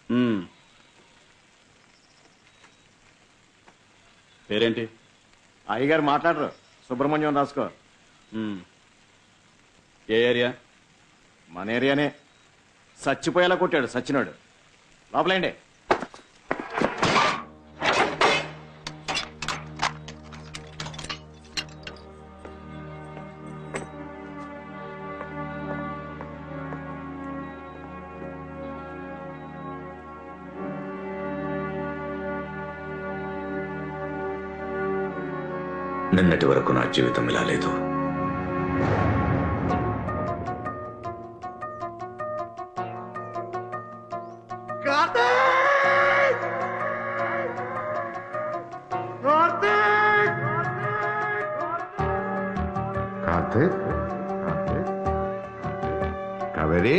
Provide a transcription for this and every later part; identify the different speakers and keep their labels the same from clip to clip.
Speaker 1: పేరేంటి?
Speaker 2: అయ్యగారు మాట్లాడరు. సుబ్రహ్మణ్యం రాసుకో.
Speaker 1: ఏ ఏరియా?
Speaker 2: మన ఏరియానే. చచ్చిపోయేలా కొట్టాడు సచ్చినాడు. లోపలేండి.
Speaker 3: నిన్నటి వరకు నా జీవితం ఇలా లేదు.
Speaker 4: Kaveri,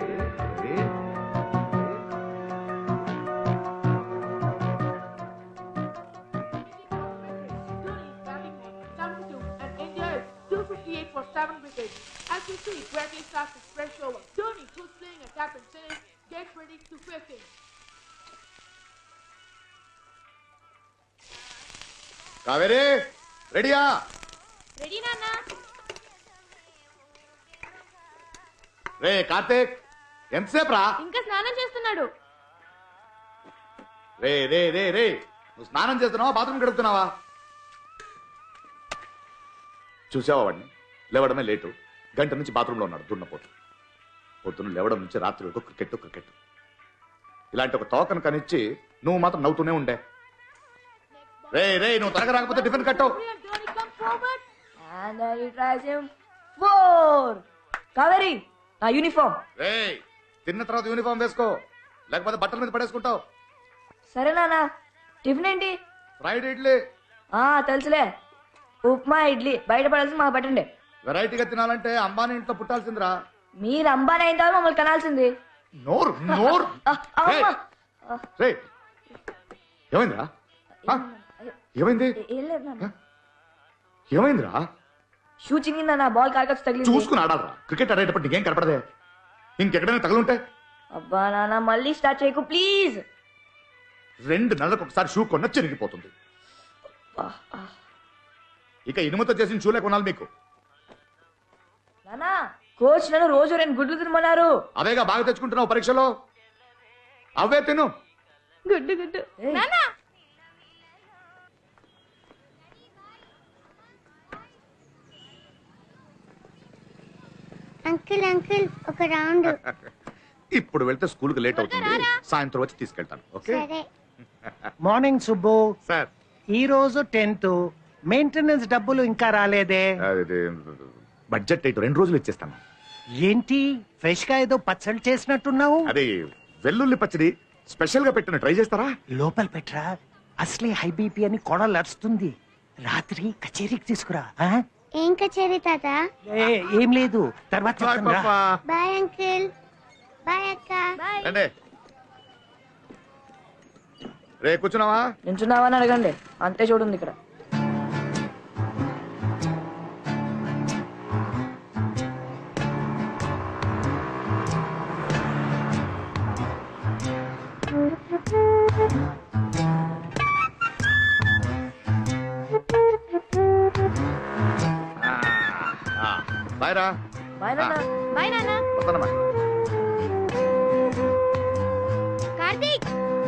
Speaker 5: As you see, Bradley starts to stretch over. Dhoni, who's playing a captain, saying, get ready to face him.
Speaker 4: Kaveri రెడీయా?
Speaker 5: Ready, Nana?
Speaker 4: రే కార్తీక్, ఎంతసేపు రా?
Speaker 5: ఇంకా స్నానం చేస్తున్నాడు.
Speaker 4: రే రే రే రే, నువ్వు స్నానం చేస్తున్నావా బాత్రూమ్ గడుపుతున్నావా? చూసావా వాడిని? లేవడమే లేటు. గంట నుంచి బాత్రూంలో ఉన్నాడు దున్నపోతు. పొద్దున్న లేవడం నుంచి రాత్రి వరకు క్రికెట్ క్రికెట్. ఇలాంటి ఒక తోకను కనిచ్చి నువ్వు మాత్రం నవ్వుతూనే ఉండే. రే రే, నువ్వు త్వరగా రాకపోతే టిఫిన్ కట్టు.
Speaker 5: Dhoni, come forward.
Speaker 6: And then he tries him. 4. Kaveri, నా యూనిఫామ్.
Speaker 4: రే, తిన్న తర్వాత యూనిఫామ్ వేసుకో, లేకపోతే బట్టల మీద పడేసుకుంటావు.
Speaker 6: సరే నాన్న. టిఫిన్ ఏంటి?
Speaker 4: ఫ్రైడ్ ఇడ్లీ.
Speaker 6: తెలుసులే. ఉప్మా ఇడ్లీ. బయట పడాల్సింది మాకు పెట్టండి.
Speaker 4: వెరైటీగా తినాలంటే అంబానీ ఇంట్లో పుట్టాల్సిందిరా.
Speaker 6: మీరు అంబానీ అయిన తర్వాత మమ్మల్ని కనాల్సింది.
Speaker 4: నోరు నోరు. రే, ఏమైందిరా? ఏమైంది?
Speaker 6: ఏం లేదు నాన్న.
Speaker 4: ఏమైందిరా?
Speaker 6: షూ చింగిందా? నా బాల్ కారకొచ్చి తగిలింది.
Speaker 4: చూసుకుని ఆడాలరా. క్రికెట్ ఆడేటప్పుడు నీకేం కనపడదే? ఇంకెక్కడైనా తగులుంటే?
Speaker 6: అబ్బా నాన్న, మళ్ళీ స్టార్ట్ చేయకు ప్లీజ్.
Speaker 4: 2 నెలలకు ఒకసారి షూ కొన్న చిరిగిపోతుంది. ఇక ఇనుముతో చేసిన షూలే కొనాలి మీకు.
Speaker 6: నాన్న, కోచ్ నన్ను రోజు 2 గుడ్లు తినమన్నారు.
Speaker 4: అవేగా బాగా తెచ్చుకుంటున్నావు పరీక్షలో, అవే తిను.
Speaker 5: గుడ్డు గుడ్డు. నాన్న.
Speaker 7: అంకుల్ అంకుల్, ఒక రౌండ్.
Speaker 4: ఇప్పుడు వెళ్తే స్కూల్ కి లేట్ అవుతుంది. సాయంత్రం వచ్చి తీసుకెళ్తాను. ఓకే?
Speaker 7: సరే.
Speaker 8: మార్నింగ్ సుబ్బు.
Speaker 4: సార్,
Speaker 8: ఈ రోజు 10th. మెయింటెనెన్స్ డబ్బులు ఇంకా రాలేదే?
Speaker 4: బడ్జెట్ 2 రోజులు ఇచ్చేస్తాను.
Speaker 8: ఏంటి ఫ్రెష్ గా ఏదో పచ్చడి చేసినట్టున్నావు?
Speaker 4: అది వెల్లుల్లి పచ్చడి స్పెషల్ గా పెట్టిన, ట్రై చేస్తారా?
Speaker 8: లోపల పెట్టరా, అసలే హై బీపీ అని కొడలు అరుస్తుంది. రాత్రి కచేరీకి తీసుకురా.
Speaker 7: ఏం కచేరీ తాత?
Speaker 8: ఏం లేదు, తర్వాత చెప్తాను రా.
Speaker 7: Bye uncle. బాయ్ అక్క.
Speaker 4: రండి. రే, కూర్చున్నావా?
Speaker 6: నించున్నావా అని అడగండి, అంతే చూడండి ఇక్కడ.
Speaker 4: బాయ్ రా.
Speaker 6: బాయ్ నాన్న.
Speaker 5: Bye, Nana.
Speaker 4: వస్తానమ్మా.
Speaker 7: కార్తీక్,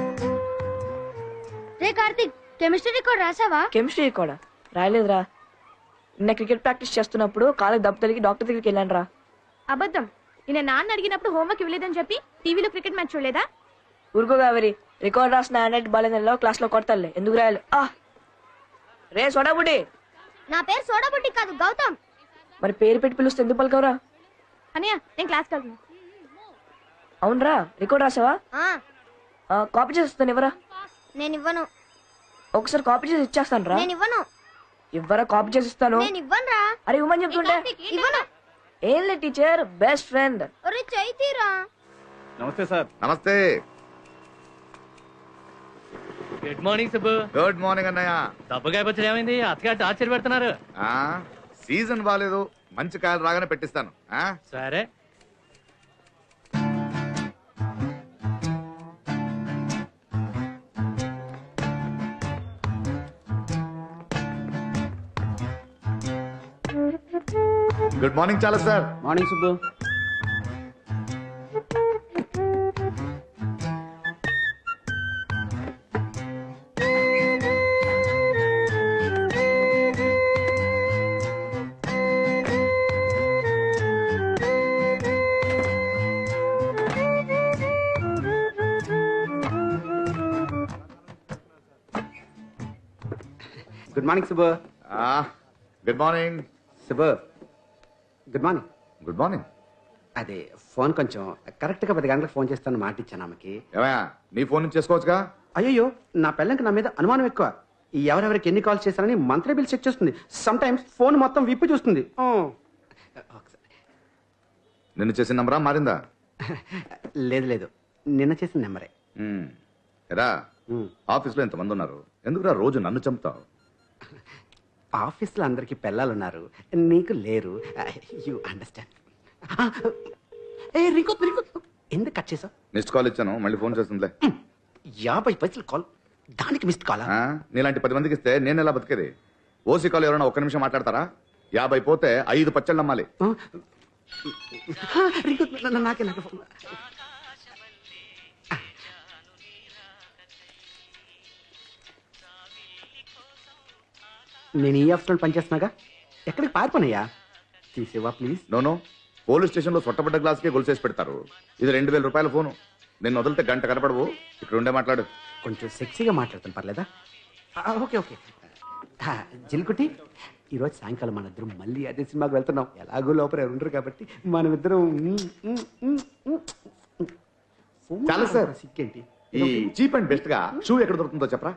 Speaker 7: రే కార్తీక్, కెమిస్ట్రీ రికార్డ్ రాసావా?
Speaker 6: కెమిస్ట్రీ కూడా రాయలేదురా. నిన్న క్రికెట్ ప్రాక్టీస్ చేస్తున్నప్పుడు కాళ్ళకి దెబ్బ తగిలి డాక్టర్ దగ్గరికి వెళ్ళాను రా.
Speaker 5: అబద్ధం. నిన్న నాన్న అడిగినప్పుడు హోంవర్క్ ఇవ్వలేదని చెప్పి టీవీలో క్రికెట్ మ్యాచ్ చూడలేదా?
Speaker 6: ఊరుకో కావేరి, రికార్డ్ రాసిన హ్యాండ్ బాగాలేదో క్లాస్ లో కొడతాలే, ఎందుకు రాయాలి? రే సోడాబుడ్డి.
Speaker 7: నా పేరు సోడాబుడ్డి కాదు, గౌతమ్.
Speaker 6: మరి పేరు పెట్టి పిలుస్తే ఎందుకు పలకవరా?
Speaker 5: అన్నయ్య, నేను క్లాస్కి వెళ్తున్నా.
Speaker 6: అవునరా, రికార్డ్ రాసావా? కాపీ చేసి వస్తాను, ఇవ్వరా?
Speaker 7: నేను ఇవ్వను.
Speaker 6: ఒకసారి కాపీ చేసి ఇచ్చేస్తాను రా.
Speaker 7: నేను ఇవ్వను.
Speaker 6: ఇవ్వరా, కాపీ చేసి ఇస్తాను.
Speaker 7: నేను ఇవ్వను రా.
Speaker 6: అరే ఇవ్వమని చెప్తుంటే.
Speaker 7: ఇవ్వను.
Speaker 6: ఏం లే టీచర్, బెస్ట్ ఫ్రెండ్.
Speaker 7: ఒరే చైతీరా.
Speaker 1: నమస్తే సార్.
Speaker 4: నమస్తే.
Speaker 9: Good morning Subbu.
Speaker 4: Good morning అన్నయ్య.
Speaker 9: దెబ్బకాయ పచ్చడి ఏమైంది? అత్తగారు టార్చర్ పెడుతున్నారు.
Speaker 4: సీజన్ బాగాలేదు, మంచి కాయలు రాగానే పెట్టిస్తాను.
Speaker 9: సరే.
Speaker 4: గుడ్ మార్నింగ్ చాలా sir.
Speaker 1: Morning Subbu.
Speaker 10: Good morning Subbu.
Speaker 4: Good morning.
Speaker 10: Subbu good morning.
Speaker 4: Good morning.
Speaker 10: అదే ఫోన్ కొంచెం కరెక్ట్గా 10 గంటలకు ఫోన్ చేస్తాను మాట ఇచ్చాను ఆమెకి.
Speaker 4: ఏమయ్యా నీ ఫోన్ నుంచి చేసుకోవచ్చుగా?
Speaker 10: అయ్యో నా పిల్లలకి నా మీద అనుమానం ఎక్కువ. ఈ ఎవరెవరికి ఎన్ని కాల్స్ చేస్తారని మంత్లీ బిల్ చెక్ చేస్తుంది. సమ్ టైమ్స్ ఫోన్ మొత్తం విప్పి చూస్తుంది.
Speaker 4: నిన్ను చేసిన నంబరా మారిందా?
Speaker 10: లేదు లేదు, నిన్న చేసిన నెంబరే.
Speaker 4: ఎరా ఆఫీస్లో ఎంతమంది ఉన్నారు, ఎందుకురా రోజు నన్ను చంపుతావు?
Speaker 10: ఆఫీస్లో అందరికి పిల్లలున్నారు, నీకు లేరు. You understand. ఎందుకు కట్ చేసావు?
Speaker 4: మిస్డ్ కాల్ ఇచ్చాను, మళ్ళీ ఫోన్ చేస్తుందిలే.
Speaker 10: 50 పైసలు కాల్, దానికి మిస్డ్ కాల్?
Speaker 4: నీలాంటి 10 మందికి ఇస్తే నేను ఎలా బతికేది? ఓసీ కాల్ ఎవరైనా ఒక్క నిమిషం మాట్లాడతారా? 50 పోతే 5 పచ్చళ్ళు నమ్మాలి.
Speaker 10: నాకే నాకు ఫోన్. నేను ఈ ఆఫీస్లో పనిచేస్తున్నాగా, ఎక్కడికి పారిపోనయ్యా? తీసేవా ప్లీజ్?
Speaker 4: నోను, పోలీస్ స్టేషన్లో సొట్టబడ్డ గ్లాస్కే గొలుసేసి పెడతారు. ఇది 2000 రూపాయల ఫోను. నేను వదిలితే గంట కనపడవు. ఇక్కడ ఉండే మాట్లాడు.
Speaker 10: కొంచెం సెక్సీగా మాట్లాడుతాను, పర్లేదా? Okay okay. జిల్కుటి, ఈరోజు సాయంకాలం మన ఇద్దరం మళ్ళీ అదే సినిమాకి వెళ్తున్నాం. ఎలాగో లోపల ఎవరు ఉండరు కాబట్టి మనమిద్దరం.
Speaker 4: చాలా సార్.
Speaker 10: సిక్కేంటి?
Speaker 4: ఈ చీప్ అండ్ బెస్ట్ గా షూ ఎక్కడ దొరుకుతుందో చెప్పరా?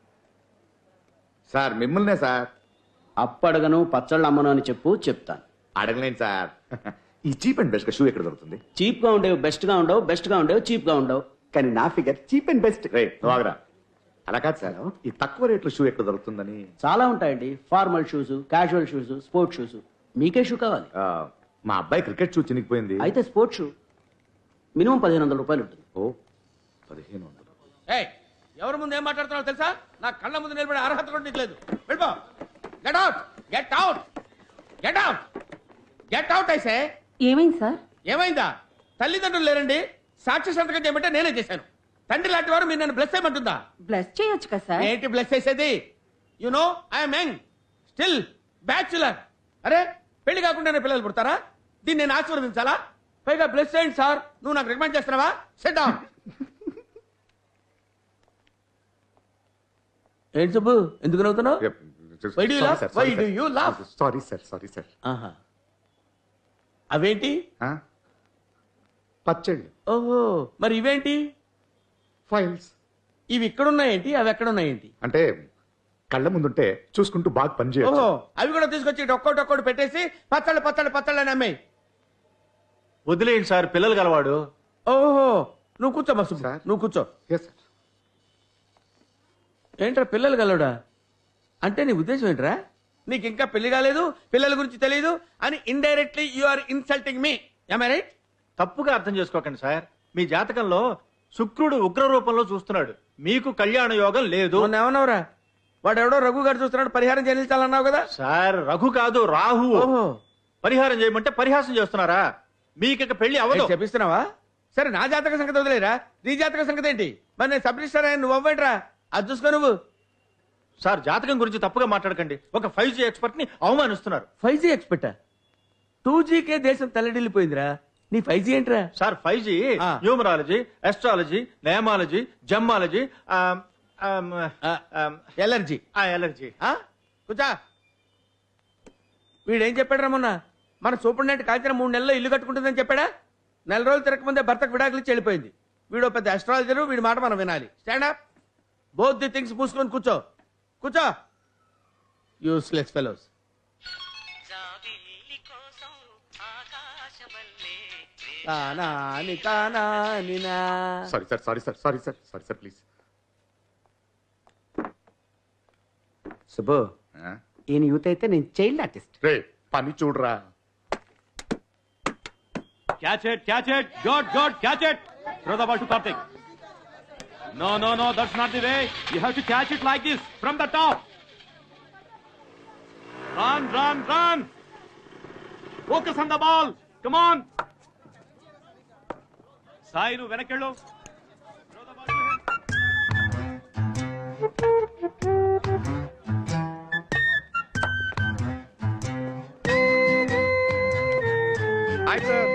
Speaker 4: సార్ మిమ్మల్నే సార్.
Speaker 1: అప్పడగను పచ్చళ్ళు అమ్మను అని చెప్పు, చెప్తాను.
Speaker 4: అడగలేను సార్. ఈ చీప్ అండ్ బెస్ట్ గా షూ ఎక్కడ దొరుకుతుంది?
Speaker 1: చీప్ గా ఉండేవి బెస్ట్ గా ఉండవు, బెస్ట్ గా ఉండేవి చీప్ గా ఉండవు.
Speaker 10: కానీ నా ఫిగర్ చీప్ అండ్ బెస్ట్.
Speaker 4: రే ఆగరా. అలా కాదు సార్, ఈ తక్కువ రేట్లో షూ ఎక్కడ దొరుకుతుందని.
Speaker 1: చాలా ఉంటాయండి. Formal shoes, casual shoes, sports shoes. మీకే షూ కావాలి?
Speaker 4: మా అబ్బాయి క్రికెట్ షూ చినిగిపోయింది.
Speaker 1: అయితే స్పోర్ట్స్ షూ మినిమం 1500 రూపాయలు ఉంటుంది.
Speaker 4: ఓ 1500.
Speaker 9: ఎవరి ముందు ఏం మాట్లాడుతున్నావు తెలుసా? నా కళ్ళ ముందు నిలబడే అర్హత కూడా నీకు లేదు. వెళ్ళిపో. Get out, get out, get out, get out. అయితే
Speaker 5: ఏమైంది సార్?
Speaker 9: ఏమైందా? తల్లిదండ్రులు లేరండి, సాక్షి సంతకం చేయమంటే నేనే చేశాను. తండ్రి లాంటి వారు మీరు నన్ను బ్లెస్ చేయమంటుందా?
Speaker 5: బ్లస్ చేయొచ్చు కదా సార్.
Speaker 9: ఏంటి బ్లెస్ చేసేది? You know I'm young, still bachelor. అరే పెళ్లి కాకుండానే పిల్లలు పుడతారా? దీన్ని నేను ఆశీర్వదించాలా? పైగా బ్లెస్ చేయండి సార్. నువ్వు నాకు రికమెండ్ చేస్తున్నావా? Sit down. ఏంటి సుబ్బు, ఎందుకు నవ్వుతున్నావు? Why do you laugh? Why do you laugh?
Speaker 4: Sorry sir.
Speaker 9: అవేంటి?
Speaker 4: పచ్చళ్ళు.
Speaker 9: ఓహో, మరి ఇవేంటి?
Speaker 4: ఫైల్స్.
Speaker 9: ఇవి ఇక్కడున్నాయేంటి, అవి ఎక్కడున్నాయేంటి?
Speaker 4: అంటే కళ్ళ ముందుంటే చూసుకుంటూ బాగా
Speaker 9: ఓహో,
Speaker 4: పనిచేయచ్చు.
Speaker 9: అవి కూడా తీసుకొచ్చి ఒక్కోటి పెట్టేసి పచ్చళ్ళు అని అమ్మాయి.
Speaker 2: వదిలేయండి సార్, పిల్లలు గలవాడు.
Speaker 9: ఓహో, నువ్వు కూర్చో మస్తు.
Speaker 4: సార్.
Speaker 9: నువ్వు కూర్చో.
Speaker 4: Yes sir.
Speaker 9: ఏంట్రా పిల్లలు గలవడా అంటే నీ ఉద్దేశం ఏంట్రా? నీకు ఇంకా పెళ్లి కాలేదు, పిల్లల గురించి తెలియదు అని indirectly you are insulting me. Am I right?
Speaker 2: తప్పుగా అర్థం చేసుకోకండి సార్. మీ జాతకంలో శుక్రుడు ఉగ్ర రూపంలో చూస్తున్నాడు. మీకు కళ్యాణ యోగం లేదు.
Speaker 9: మొన్న ఏమన్నావురా? వాడు ఎవడో రఘు గారు చూస్తున్నాడు, పరిహారం చెల్లించాలన్నావు కదా?
Speaker 2: సార్ రఘు కాదు, రాహు.
Speaker 9: ఓహో,
Speaker 2: పరిహారం చేయమంటే పరిహాసం చేస్తున్నారా? మీకు పెళ్లి అవదు.
Speaker 9: చెప్పిస్తున్నావా? సరే, నా జాతక సంగతి వదిలేరా, నీ జాతక సంగతి ఏంటి? మరి నేను సబ్ రిజిస్టర్ అయ్యాను, నువ్వు అవ్వేంట్రా? అది చూసుకో నువ్వు.
Speaker 2: సార్ జాతకం గురించి తప్పుగా మాట్లాడకండి. ఒక 5G ఎక్స్పర్ట్ ని అవమానిస్తున్నారు.
Speaker 9: 5G ఎక్స్పెక్టా? 2Gకే దేశం తల్లడిల్లిపోయిందిరా, నీ 5G ఏంట్రా?
Speaker 2: Sir 5G numerology, astrology, nameology, gemology,
Speaker 9: allergy.
Speaker 2: Allergy.
Speaker 9: కూర్చా. వీడేం చెప్పాడు మొన్న? మన సూపరింటెండెంట్ కాల్చిన 3 నెలల్లో ఇల్లు కట్టుకుంటుందని చెప్పాడా? 4 రోజులు తిరగకముందే భర్తకు విడాకులు ఇచ్చి వెళ్ళిపోయింది. వీడు పెద్ద అస్ట్రాలజరు, వీడి మాట మనం వినాలి. Stand up. Both the things మూసుకొని కూర్చో. కూర్చో. Useless fellows.
Speaker 4: Sorry please.
Speaker 10: Subbu, ఈయన యూత్ అయితే నేను చైల్డ్ ఆర్టిస్ట్.
Speaker 4: రే పని చూడరా.
Speaker 11: Catch it, good, catch it. Throw the ball to Karthik. No, that's not the way. You have to catch it like this, from the top. Run. Focus on the ball. Come on. Sai నువ్వు వెనకెళ్ళు. Throw the ball to him.
Speaker 4: Hi sir